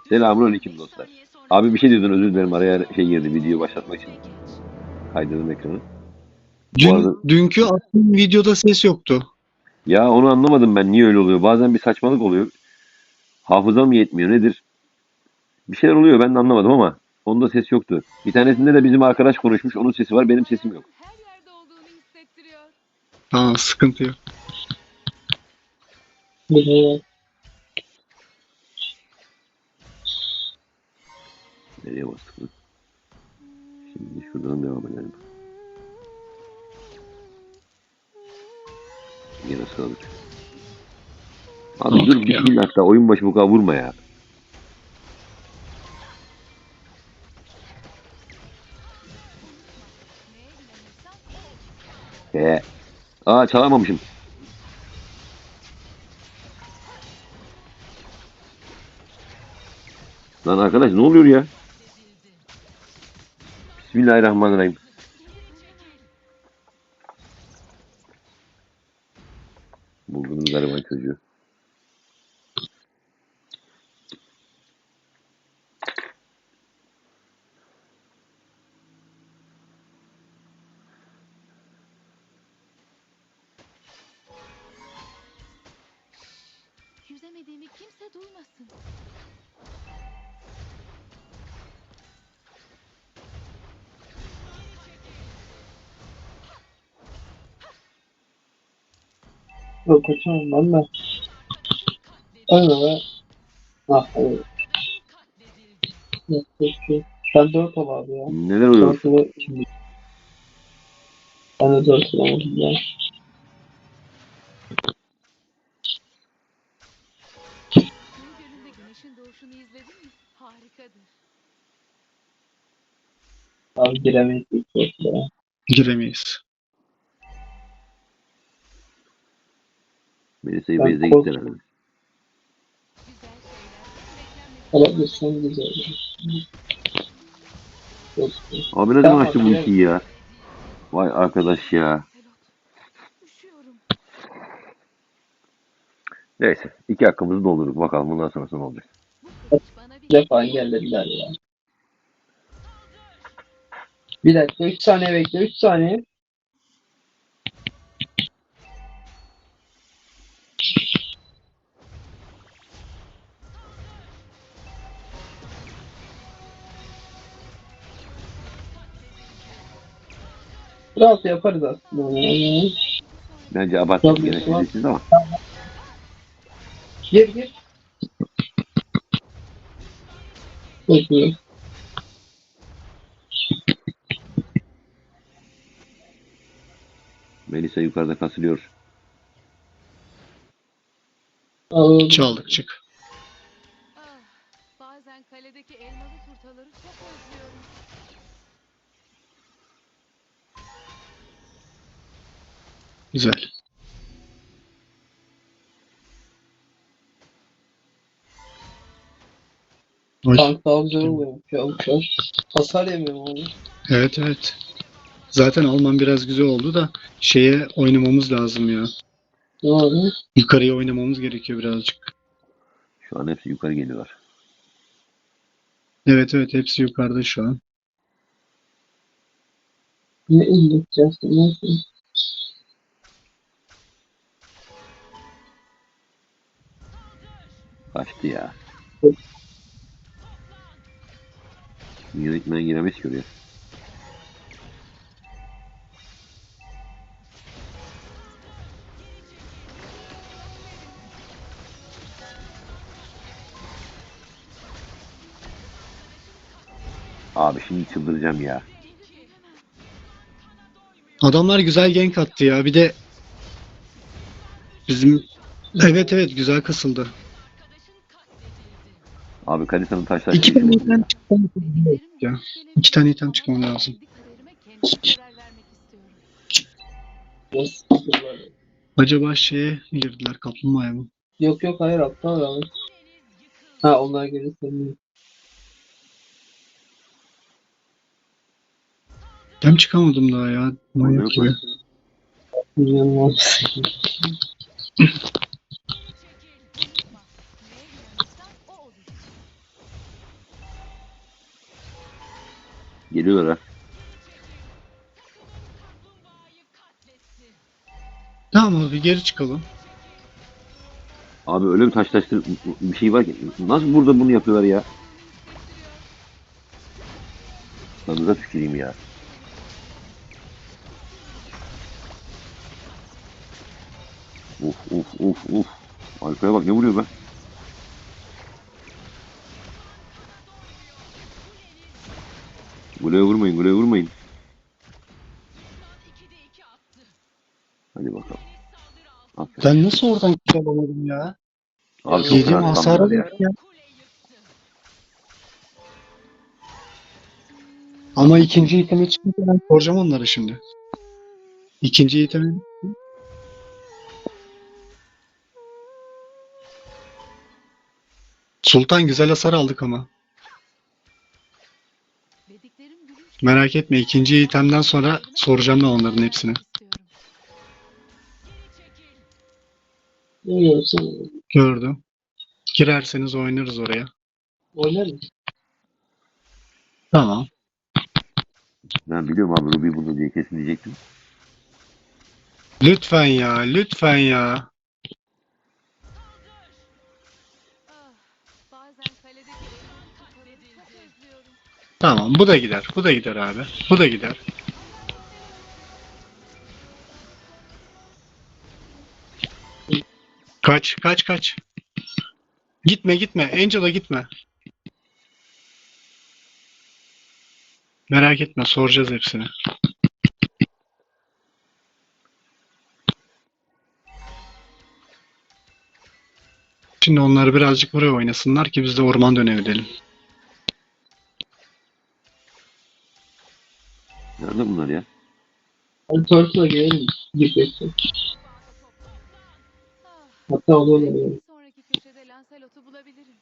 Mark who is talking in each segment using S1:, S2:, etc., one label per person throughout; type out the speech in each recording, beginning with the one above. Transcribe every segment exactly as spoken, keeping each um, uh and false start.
S1: Selamünaleyküm dostlar. Abi bir şey diyordun, özür dilerim, araya şey girdi, video başlatmak için kaydırdım ekranı. Bu
S2: Dün
S1: arada
S2: dünkü attığım videoda ses yoktu.
S1: ya onu anlamadım ben, niye öyle oluyor. Bazen bir saçmalık oluyor. Hafızam mı yetmiyor nedir? Bir şeyler oluyor, ben de anlamadım ama onda ses yoktu. Bir tanesinde de bizim arkadaş konuşmuş, onun sesi var, benim sesim yok.
S3: Her yerde olduğunu hissettiriyor.
S2: Aa, sıkıntı yok.
S1: Nereye bastık lan? Şimdi şuradan devam edelim. Yine sağlık. Abi dur,
S2: Ya.
S1: bismillah da oyun başı bu kadar vurma ya.
S3: Neye inanırsan o olur.
S1: Ee, aa çalamamışım. Lan arkadaş ne oluyor ya? Bismillahirrahmanirrahim. Buldunuz gariban çocuğu.
S3: Yüzemediğimi kimse duymasın.
S4: Yok kaçamam ben de. Öyle be. Ah evet. Yok peki. Ben dört ol abi ya.
S1: Neler oluyor?
S4: dört ile şimdi. Ben de dört olamadım ya.
S3: Kuğu Gölü'nde güneşin doğuşunu izledin mi? Harikadır.
S4: Abi giremeyiz ilk dört ya.
S2: Giremeyiz.
S1: Melisa'yı
S4: Ben
S1: Beyze gitti
S4: kork-
S1: herhalde.
S3: Güzel şeyler beklenmedik.
S4: Alabilirsen güzel. Yok.
S1: Abi ne zaman
S4: Tamam
S1: açtı
S4: abi,
S1: bu
S4: evet.
S1: ikiyi ya? Vay arkadaş ya.
S3: Pelot. Üşüyorum.
S1: Neyse. iki hakkımızı doldurduk. Bakalım bundan sonrası ne olacak.
S3: Bu kılıç bana bir
S4: Defa engellediler ya. Bir dakika üç saniye bekle üç saniye. Rahat yaparız aslında. Yani.
S1: Bence abarttık
S4: Tabii,
S1: gene
S4: tamam.
S1: siz ama.
S4: Gir gir. Bekliyorum.
S1: Melisa yukarıda kasılıyor.
S4: Alalım.
S2: Çaldık çık.
S3: Ah, bazen kaledeki elmalı turtaları çok özlüyorum.
S2: Güzel. Oy.
S4: Tank daha güzel oluyor. Şu an şu an. Hasar yemiyorum abi.
S2: Evet evet. Zaten Alman biraz güzel oldu da şeye oynamamız lazım ya.
S4: Ne abi?
S2: Yukarıya oynamamız gerekiyor birazcık.
S1: Şu an hepsi yukarı geliyorlar.
S2: Evet evet hepsi yukarıda şu an.
S4: Ne indireceğiz? Neyse.
S1: Kaçtı ya. Yönetmen giremez ki oraya. Abi şimdi çıldıracağım ya.
S2: Adamlar güzel gank attı ya. Bir de bizim evet evet güzel kasıldı.
S1: Abi Kalisa'nın taşlar
S2: İki
S1: şey
S2: tane
S1: oldu ya.
S2: item çıkmamız lazım ya. İki tane item çıkmam lazım.
S3: Kendi kararıma kendim karar vermek istiyorum.
S4: Nasıl?
S2: Acaba şeye girdiler kaplumbağaya mı?
S4: Yok yok hayır aptal abi. Ha onlar gelirse mi?
S2: Ben çıkamadım daha ya. Manyak
S1: Yok
S2: gibi.
S1: lan.
S4: Bilmiyorum abi.
S1: Geliyorlar ha.
S2: Tamam abi geri çıkalım.
S1: Abi öyle bir taşlaştır bir şey var ki. Nasıl burada bunu yapıyorlar ya? Lan da tüküreyim ya. Uf uf uf uf. Alfa'ya bak ne vuruyor be. Gule vurmayın, gule vurmayın. Hadi bakalım. Aferin.
S2: Ben nasıl oradan kill alamadım ya?
S1: Abi çok
S2: Yediğim
S1: fena
S2: hasara
S1: spamlar ya.
S2: bak ya. Ama ikinci iteme çıkınca ben soracağım onları şimdi. İkinci iteme. Sultan güzel hasar aldık ama.
S3: Dediklerim gülünç.
S2: Merak etme ikinci itemden sonra soracağım ben onların hepsini.
S3: İstiyorum.
S4: Ne yiyorsun?
S2: Gördüm. Girerseniz oynarız oraya.
S4: Oynar mısın?
S2: Tamam.
S1: Ben biliyorum abi Ruby bunu diye kesin diyecektim.
S2: Lütfen ya, lütfen ya.
S3: Ah, bazen kaledeki elleri tutarım. Çok özlüyorum.
S2: Tamam, bu da gider. Bu da gider abi. Bu da gider. Kaç, kaç, kaç. Gitme, gitme. Angel'a gitme. Merak etme, soracağız hepsini. Şimdi onları birazcık buraya oynasınlar ki biz de orman dönebilelim.
S1: Nerede bunlar ya?
S4: Hadi Turtle'a gelelim. Gitmeksin.
S3: Ah,
S4: Hatta onu
S3: belki
S4: oynayalım.
S3: bir sonraki köşede Lancelot'u bulabilirim.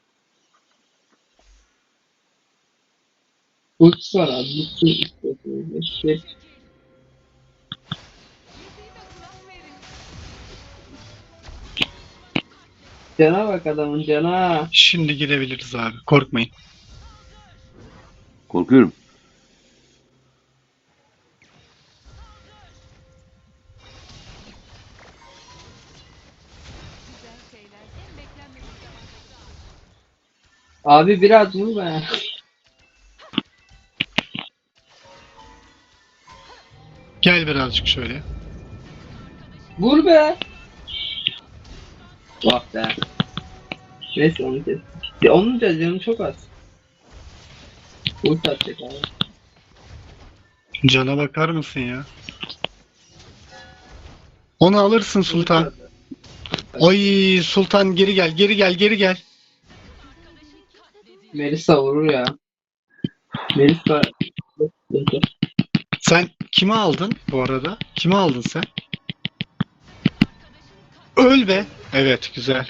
S4: Ultisi var abi. Ultisi istiyorsun. İşte
S3: Müziğime kulak verin.
S4: cana bak adamın cana.
S2: Şimdi girebiliriz abi. Korkmayın.
S1: Korkuyorum.
S3: Güzel şeyler en beklenmedik zamanda.
S4: Abi biraz vur be.
S2: Gel birazcık şöyle.
S4: Vur be. Bak be. Neyse onu kes. Ya onun da canı çok az. Ult atacak abi.
S2: Cana bakar mısın ya? Onu alırsın Sultan.
S4: Ult at.
S2: Oy Sultan geri gel, geri gel, geri gel.
S4: Melisa vurur ya. Melisa.
S2: Sen kimi aldın bu arada? Kimi aldın sen? Öl be. Evet, güzel.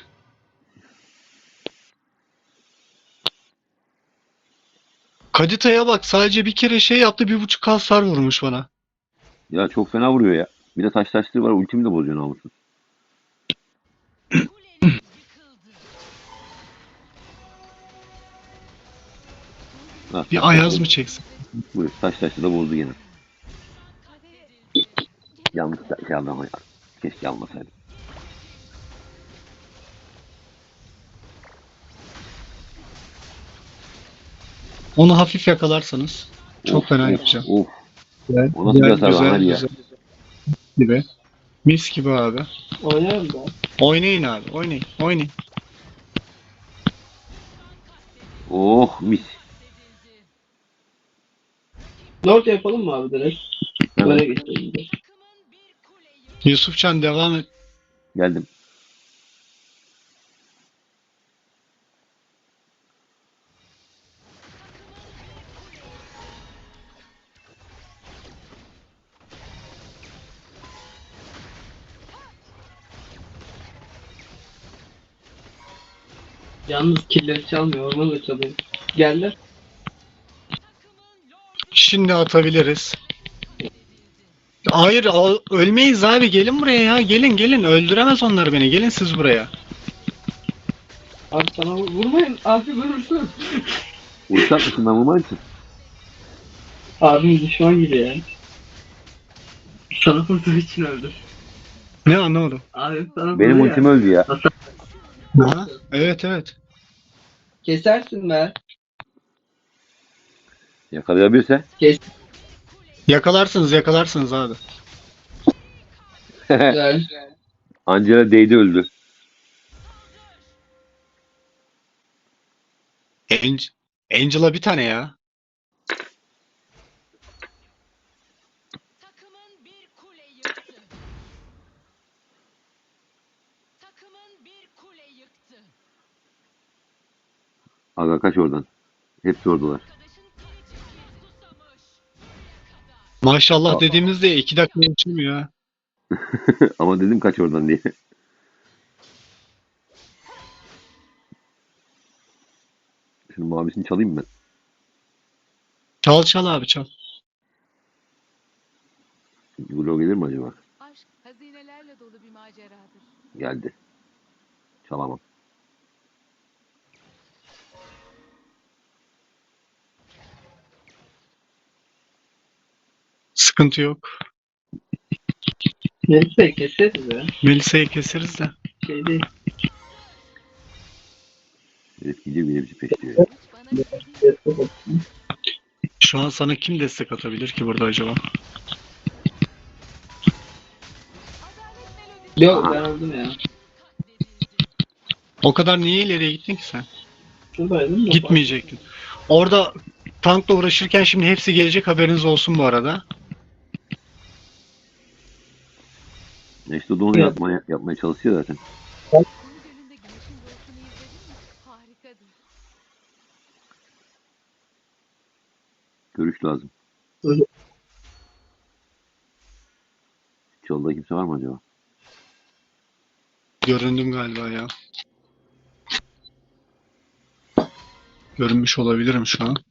S2: Kadita'ya bak sadece bir kere şey yaptı bir buçuk hasar vurmuş bana.
S1: Ya çok fena vuruyor ya. Bir de taşlaştığı var ultimi de bozuyor namussuz. Ha,
S2: Bir ayaz mı çeksin?
S1: Buyur taşlaştı da bozdu gene.
S3: Kadeh.
S1: Yanlış da şey aldım ama ya. Keşke almasaydım.
S2: Onu hafif yakalarsanız çok
S1: Of,
S2: fena
S1: of,
S2: yapacağım.
S1: Of.
S2: Güzel,
S1: O nasıl bir hasar lan,
S2: güzel,
S1: hadi ya.
S2: güzel. Gibi. Mis gibi abi.
S4: Oynarım da.
S2: Oynayın abi, oynayın, oynayın.
S1: Oh mis.
S4: Lord yapalım mı abi direkt?
S1: Evet.
S4: Böyle geçelim de.
S2: Yusufcan devam et.
S1: Geldim.
S4: Yalnız killeri çalmıyor. Ormanı da çalıyor. Geldi.
S2: Şimdi atabiliriz. Hayır, al- ölmeyiz abi. Gelin buraya ya. Gelin, gelin. Öldüremez onlar beni. Gelin siz buraya.
S4: Abi sana vur- vurmayın. Abi vurursun.
S1: Uçak mısın ben vurmam için?
S4: Abim düşman gibi ya. Sana vurduğu için öldü.
S2: Ne anlamadım.
S4: Abim sana
S1: Benim
S4: vurdu
S1: ultim
S4: ya.
S1: öldü ya.
S2: Ha? Evet evet.
S4: Kesersin be.
S1: Yakalayabilirse.
S4: Kes.
S2: Yakalarsınız yakalarsınız abi.
S4: Güzel.
S1: Angela değdi öldü.
S2: Angel, Angela bir tane ya.
S3: Takımın bir kule yıktı. Takımın bir kule yıktı.
S1: Aga kaç oradan. Hepsi oradalar.
S3: Arkadaşın kılıcı ki susamış.
S2: Maşallah dediğimizde iki dakika geçmiyor ha.
S1: Ama dedim kaç oradan diye. Şunun mavisini çalayım mı ben?
S2: Çal çal abi çal.
S1: Glow gelir mi acaba?
S3: Aşk hazinelerle dolu bir maceradır.
S1: Geldi. Çalamam.
S2: Sıkıntı yok.
S4: Neyse keseriz be.
S2: Melisa'yı keseriz de.
S4: Şey değil.
S1: Herif gidiyor bir de bizi peşliyor ya.
S3: Bana verdiğin
S2: Şu an sana kim destek atabilir ki burada acaba?
S3: adalet melodisi
S4: Yok ben öldüm ya.
S3: katledildi.
S2: O kadar niye ileriye gittin ki sen?
S4: Şuradaydım da.
S2: Gitmeyecektin. Orada tankla uğraşırken şimdi hepsi gelecek, haberiniz olsun bu arada.
S1: Ya işte o da onu
S4: Evet.
S1: yapmaya, yapmaya çalışıyor zaten.
S3: Kum gölünde güneşin doğuşunu izledin mi? Harikadır.
S1: Görüş lazım.
S4: Öyle.
S1: Çalıda kimse var mı acaba?
S2: Göründüm galiba ya. Görünmüş olabilirim şu an.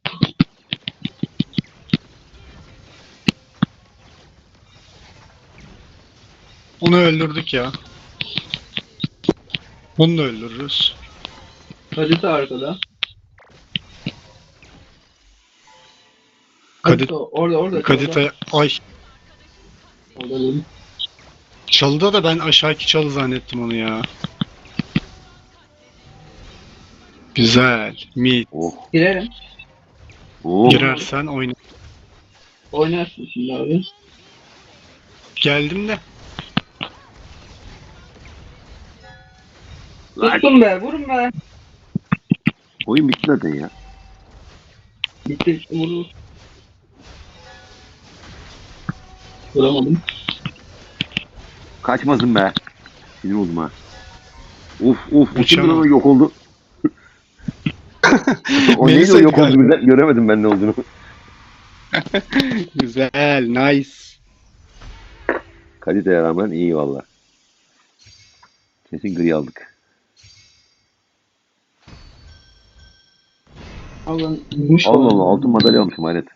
S2: Onu öldürdük ya. Bunu da öldürürüz.
S4: Kalite arkada.
S2: Kadit,
S4: Orada orada.
S2: Kadita, ay
S4: Orada değil.
S2: çalıda da ben aşağıki çalı zannettim onu ya. Güzel. Mid.
S1: Oh.
S4: Girerim.
S1: Oh.
S2: Girersen oyna.
S4: Oynarsın şimdi abi.
S2: Geldim de.
S1: Lan,
S4: Tuttum be vurun be.
S1: oyun bitti zaten ya.
S4: Bitti vurur. Vuramadım.
S1: Kaçmasın be. Sinir oldum ha. Uf uf. Bu kimdi lan
S2: Uçamam.
S1: o yok oldu. O neydi o
S2: Melisa'ydı
S1: yok oldu
S2: galiba.
S1: birden? Göremedim ben ne olduğunu.
S2: Güzel. Nice.
S1: Kaliteye rağmen iyi valla. Kesin gri aldık.
S4: Allah'ın vurmuş
S1: Allah
S4: var.
S1: Allah altın madalya almışım hayret.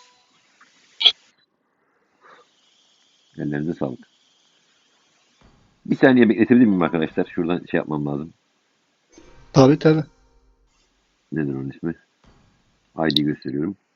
S1: Ellerinize sağlık. Bir saniye bekletebilir miyim arkadaşlar? Şuradan şey yapmam lazım.
S2: Tabii tabii.
S1: Nedir onun ismi? I D gösteriyorum.